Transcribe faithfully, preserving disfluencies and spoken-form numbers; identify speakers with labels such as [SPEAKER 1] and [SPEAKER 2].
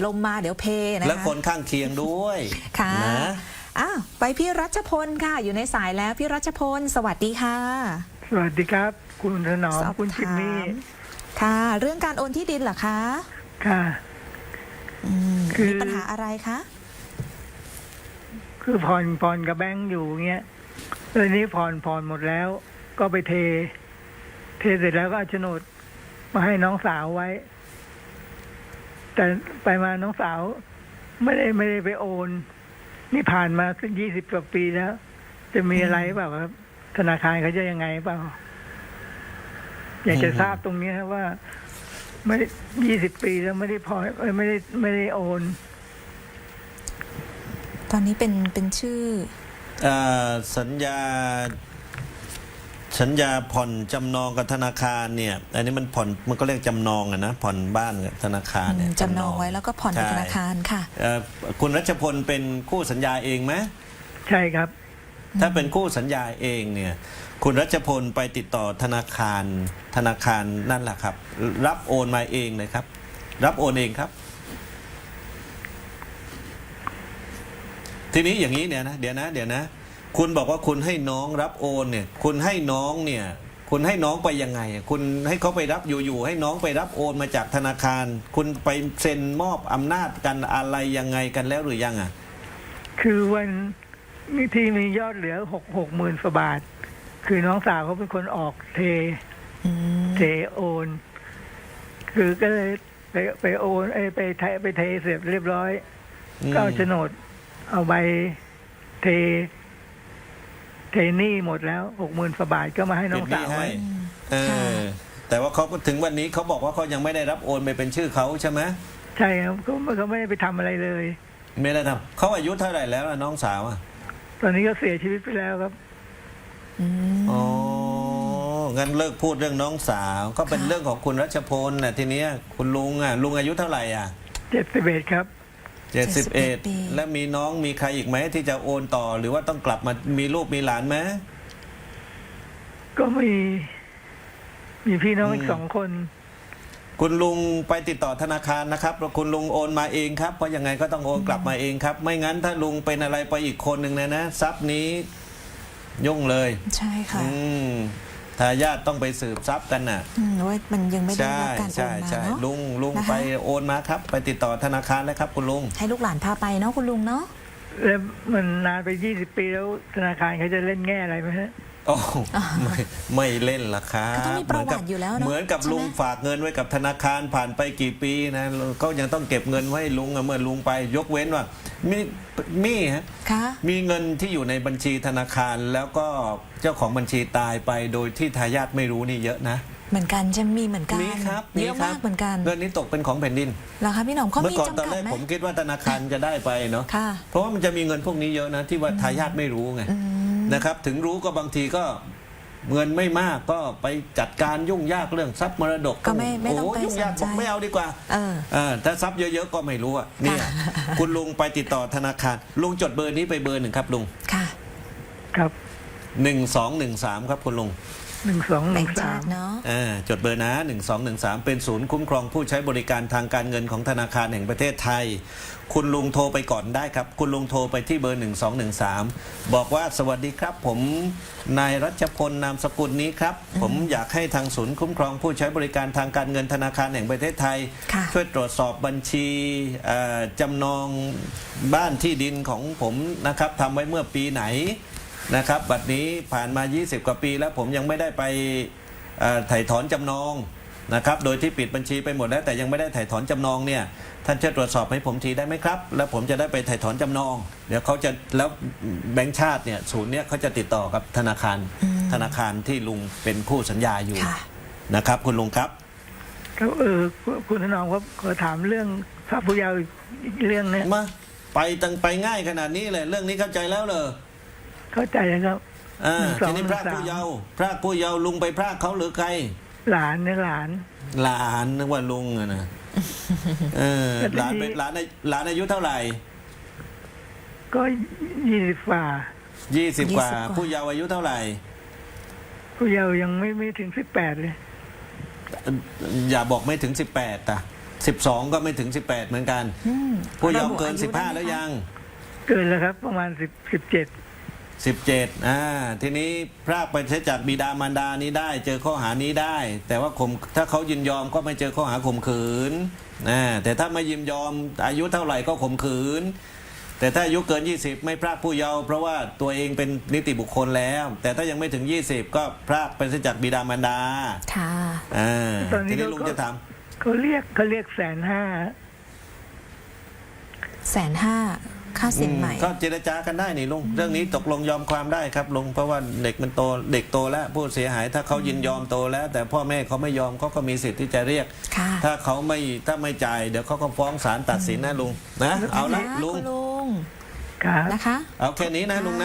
[SPEAKER 1] ลมมาเดี๋ยวเพนะคะ
[SPEAKER 2] และคนข้างเคียงด้วย
[SPEAKER 1] ค่ะ
[SPEAKER 2] นะ
[SPEAKER 1] อ้าวไปพี่รัชพลค่ะอยู่ในสายแล้วพี่รัชพลสวัสดีค่ะ
[SPEAKER 3] สวัสดีครับคุณถนอมคุณจิมมี่
[SPEAKER 1] ค่ะเรื่องการโอนที่ดินเหรอคะ
[SPEAKER 3] ค่ะ
[SPEAKER 1] คือมีปัญหาอะไรคะ
[SPEAKER 3] คือผ่อนผ่อนกับแบงค์อยู่เงี้ยเลยนี้ผ่อนผ่อนหมดแล้วก็ไปเท เทเสร็จแล้วก็เอาโฉนดมาให้น้องสาวไว้ แต่ไปมาน้องสาวไม่ได้ไม่ได้ไปโอนนี่ผ่านมาสักยี่สิบกว่าปีแล้ว จะมีอะไรเปล่าครับธนาคารเขาจะยังไงเปล่าอยากจะทราบตรงนี้ครับว่าไม่ยี่สิบปีแล้วไม่ได้พอไม่ได้ไม่ได้โอน
[SPEAKER 1] ตอนนี้เป็นเป็นชื่อ
[SPEAKER 2] สัญญาสัญญาผ่อนจำนองกับธนาคารเนี่ยอันนี้มันผ่อนมันก็เรียกจำนองอะนะผ่อนบ้านกับธนาคารเนี่ย
[SPEAKER 1] จำนองไว้แล้วก็ผ่อนกับธนาคารค่ะ
[SPEAKER 2] คุณรัชพลเป็นคู่สัญญาเองไหม
[SPEAKER 3] ใช่ครับ
[SPEAKER 2] ถ้าเป็นคู่สัญญาเองเนี่ยคุณรัชพลไปติดต่อธนาคารธนาคารนั่นแหละครับรับโอนมาเองเลยครับรับโอนเองครับทีนี้อย่างนี้เนี่ยนะเดี๋ยวนะเดี๋ยวนะคุณบอกว่าคุณให้น้องรับโอนเนี่ยคุณให้น้องเนี่ยคุณให้น้องไปยังไงคุณให้เขาไปรับอยู่ๆให้น้องไปรับโอนมาจากธนาคารคุณไปเซ็นมอบอำนาจกันอะไรยังไงกันแล้วหรือยังอ่ะ
[SPEAKER 3] คือวันนี้ที่มียอดเหลือหกหกหมื่นกว่าบาทคือน้องสาวเขาเป็นคนออกเทเทโอนคือก็เลยไปไปโอนเอไปเทไปเทเสร็จเรียบร้อยก็เอาโฉนดเอาใบเทเทหนี้หมดแล้วหกหมื่นกว่าบาทก็มาให้น้องสาวไว้
[SPEAKER 2] เออแต่ว่าเขาถึงวันนี้เขาบอกว่าเขายังไม่ได้รับโอนไปเป็นชื่อเขาใช่ไหม
[SPEAKER 3] ใช่ครับเขาเขาไม่ได้ไปทำอะไรเลย
[SPEAKER 2] ไม่ได้ทำเขาอายุเท่าไหร่แล้วน้องสาวอ่ะ
[SPEAKER 3] ตอนนี้ก็เสียชีวิตไปแล้วครับ
[SPEAKER 2] อ๋องั้นเลิกพูดเรื่องน้องสาวก็เป็นเรื่องของคุณรัชพลนะทีนี้คุณลุงอ่ะลุงอายุเท่าไหร่อ่ะ
[SPEAKER 3] เจ็ดสิบเอ็ดครับ
[SPEAKER 2] เจ็ดสิบเอ็ดแล้วมีน้องมีใครอีกไหมที่จะโอนต่อหรือว่าต้องกลับมามีลูกมีหลานไหม
[SPEAKER 3] ก็มีมีพี่น้องอีกสองคน
[SPEAKER 2] คุณลุงไปติดต่อธนาคารนะครับคุณลุงโอนมาเองครับเพราะยังไงก็ต้องโอนกลับมาเองครับไม่งั้นถ้าลุงเป็นอะไรไปอีกคนหนึ่งนะนะทรัพย์นี้ยุ่งเลย
[SPEAKER 1] ใช่ค่ะ
[SPEAKER 2] ทายาทต้องไปสืบทรัพย์กันน่ะ
[SPEAKER 1] ว่ามันยังไม่ได้รับการโอนมาเนาะ
[SPEAKER 2] ลุงลุงไปโอนมาครับไปติดต่อธนาคารแล้วครับคุณลุง
[SPEAKER 1] ให้ลูกหลานพาไปเนาะคุณลุงเนาะ
[SPEAKER 3] แล้วมันนานไปยี่สิบปีแล้วธนาคารเขาจะเล่นแง่อะไรไหมฮะ
[SPEAKER 2] โอ้ไม่ไม่เล่นละครับ
[SPEAKER 1] เหมือนกับ
[SPEAKER 2] เหมือนกับลุงฝากเงินไว้กับธนาคารผ่านไปกี่ปีนะก็ยังต้องเก็บเงินไว้ลุงเมื่อลุงไปยกเว้นว่ามีมีฮะมีเงินที่อยู่ในบัญชีธนาคารแล้วก็เจ้าของบัญชีตายไปโดยที่ทายาทไม่รู้นี่เยอะนะ
[SPEAKER 1] เหมือนกันจะมีเหมือนกัน
[SPEAKER 2] มีครับ
[SPEAKER 1] เยอะมากเหมือนกัน
[SPEAKER 2] เงินนี้ตกเป็นของแผ่นดิน
[SPEAKER 1] เหรอคะพี่หน่อมเขามีจำกัดไหมเมื่อก่อน
[SPEAKER 2] ตอนแรกผมคิดว่าธนาคารจะได้ไปเนาะเพราะว่ามันจะมีเงินพวกนี้เยอะนะที่ว่าทายาทไม่รู้ไงนะครับถึงรู้ก็บางทีก็เงินไม่มากก็ไปจัดการยุ่งยากเรื่องทรัพย์มรดก
[SPEAKER 1] ก็ไม่ไม่ต้องไป
[SPEAKER 2] ยุ่งยากบอกไม่เอาดีกว่า
[SPEAKER 1] เออ
[SPEAKER 2] ถ้าทรัพย์เยอะๆก็ไม่รู้อ่ะเนี่ยคุณลุงไปติดต่อธนาคารลุงจดเบอร์นี้ไปเบอร์หนึ่งครับลุง
[SPEAKER 1] ค่ะ
[SPEAKER 3] ครับ
[SPEAKER 2] หนึ่งสองหนึ่งสามครับคุณลุง
[SPEAKER 3] หนึ่งสองหนึ่งสาม
[SPEAKER 1] เนาะ
[SPEAKER 2] จดเบอร์นะหนึ่งสองหนึ่งสามเป็นศูนย์คุ้มครองผู้ใช้บริการทางการเงินของธนาคารแห่งประเทศไทยคุณลุงโทรไปก่อนได้ครับคุณลุงโทรไปที่เบอร์หนึ่งสองหนึ่งสามบอกว่าสวัสดีครับผมนายรัชพลนามสกุลนี้ครับผมอยากให้ทางศูนย์คุ้มครองผู้ใช้บริการทางการเงินธนาคารแห่งประเทศไทยช่วยตรวจสอบบัญชีจำนองบ้านที่ดินของผมนะครับทำไว้เมื่อปีไหนนะครับบัดนี้ผ่านมายี่สิบกว่าปีแล้วผมยังไม่ได้ไปถ่ายถอนจำนองนะครับโดยที่ปิดบัญชีไปหมดแล้วแต่ยังไม่ได้ถ่ายถอนจำนองเนี่ยท่านช่วยตรวจสอบให้ผมทีได้ไหมครับแล้วผมจะได้ไปถ่ายถอนจำนองเดี๋ยวเขาจะแล้วแบงก์ชาติเนี่ยศูนย์เนี่ยเขาจะติดต่อกับธนาคารธนาคารที่ลุงเป็นคู่สัญญาอยู่นะครับคุณลุงครับ
[SPEAKER 3] ครับเออคุณถนอมครับขอถามเรื่องพระผู้เยาว์อีกเรื่องนี้
[SPEAKER 2] มาไปตั้งไปง่ายขนาดนี้เลยเรื่องนี้เข้าใจแล้วเลย
[SPEAKER 3] เข้าใจนะครับ
[SPEAKER 2] อ่าทีนี้พระผู้เยาว์พระผู้เยาว์ลุงไปพระเขาหรือใคร
[SPEAKER 3] หลานเนี่ยหลาน
[SPEAKER 2] หลานนึกว่าลุงอะนะเออหลานเป็นหลานหลานอายุเท่าไหร่
[SPEAKER 3] ก็ยี่สิบกว่า
[SPEAKER 2] ยี่สิบกว่าผู้เยาว์อายุเท่าไหร่
[SPEAKER 3] ผู้เยาว์ยังไม่ไม่ถึงสิบแปดเลย
[SPEAKER 2] อย่าบอกไม่ถึงสิบแปดอ่ะสิบสองก็ไม่ถึงสิบแปดเหมือนกัน
[SPEAKER 1] อืม
[SPEAKER 2] ผู้เยาว์
[SPEAKER 1] ระบุ
[SPEAKER 2] เกิน
[SPEAKER 1] อายุ
[SPEAKER 2] สิบห้า
[SPEAKER 1] ได้ไหม
[SPEAKER 2] แล้ว
[SPEAKER 1] คะ
[SPEAKER 2] ยัง
[SPEAKER 3] เกินแล้วครับ ประมาณสิบสิบเจ็ด
[SPEAKER 2] สิบเจ็ดอ่าทีนี้พรากไปเสียจากบิดามารดานี้ได้ เจอข้อหานี้ได้ แต่ว่าข่มถ้าเขายินยอมก็ไม่เจอข้อหาข่มขืนนะแต่ถ้าไม่ยินยอมอายุเท่าไหร่ก็ข่มขืน แต่ถ้าอายุเกิน ยี่สิบ ไม่พรากผู้เยาว์เพราะว่าตัวเองเป็นนิติบุคคลแล้ว แต่ถ้ายังไม่ถึง ยี่สิบ ก็พรากไปเสียจากบิดามารดา
[SPEAKER 1] ค่ะ
[SPEAKER 2] อ่า
[SPEAKER 3] ตอนนี้
[SPEAKER 2] ทีนี้
[SPEAKER 3] เขา
[SPEAKER 2] ลุงจะถาม
[SPEAKER 3] เขาเรียกเขาเรียกแสนห้า
[SPEAKER 1] แสนห้าค่าสินใหม่
[SPEAKER 2] ก็เจรจากันได้นี่ลุงเรื่องนี้ตกลงยอมความได้ครับลุงเพราะว่าเด็กมันโตเด็กโตแล้วผู้เสียหายถ้าเขายินยอมโตแล้ว แต่พ่อแม่เขาไม่ยอมเขาก็มีสิทธิ์ที่จะเรียก
[SPEAKER 1] ค่ะ
[SPEAKER 2] ถ้าเขาไม่ถ้าไม่จ่ายเดี๋ยวเขาก็ฟ้องศาลตัดสินนะลุงนะเอาละ
[SPEAKER 1] นะคะ
[SPEAKER 2] ลุง
[SPEAKER 1] คุณลุง
[SPEAKER 3] ครับ
[SPEAKER 1] นะคะ
[SPEAKER 2] เอาแค่นี้นะลุงนะ